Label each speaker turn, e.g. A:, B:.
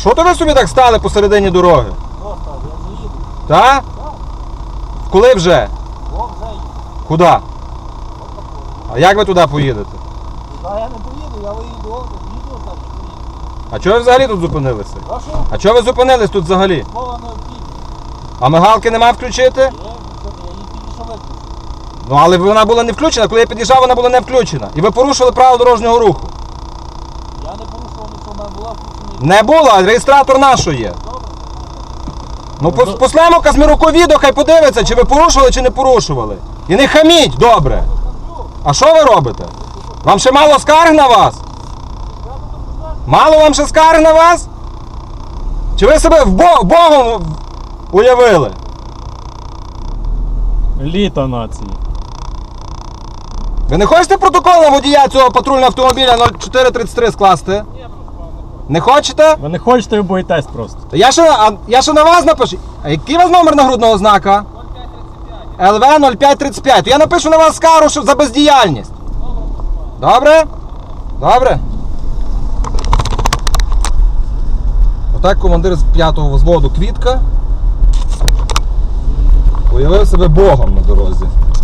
A: що то ви собі так стали посередині дороги?
B: Просто, я вже їду.
A: Так? Коли вже?
B: О, вже їду.
A: Куди? А як ви туди поїдете?
B: Туди я не поїду, я виїду, їду, значить поїду.
A: А чого ви взагалі тут зупинилися?
B: Прошу,
A: А чого ви зупинились тут взагалі?
B: мова необхідна.
A: А мигалки нема включити?
B: Я її тільки що виключив.
A: Ну але вона була не включена, коли я під'їжджав, вона була не включена. І ви порушили правила дорожнього руху.
B: Я не порушував нічого, в мене була включена.
A: Не було, а реєстратор нашого є. Ну послемо Казміруку відео, хай подивиться, чи ви порушували, чи не порушували. І не хаміть, добре. А що ви робите? Вам ще мало скарг на вас? Мало вам ще скарг на вас? Чи ви себе Богом уявили?
C: Літо нації.
A: Ви не хочете протокол на водія цього патрульного автомобіля 0433 скласти? Не хочете?
C: Ви не хочете, ви боїтесь просто.
A: Я ще на вас напишу. А який у вас номер нагрудного знака? 0535. ЛВ 0535. Я напишу на вас скаргу за бездіяльність. Добре? Добре? Отак командир з 5-го взводу Квітка уявив себе Богом на дорозі.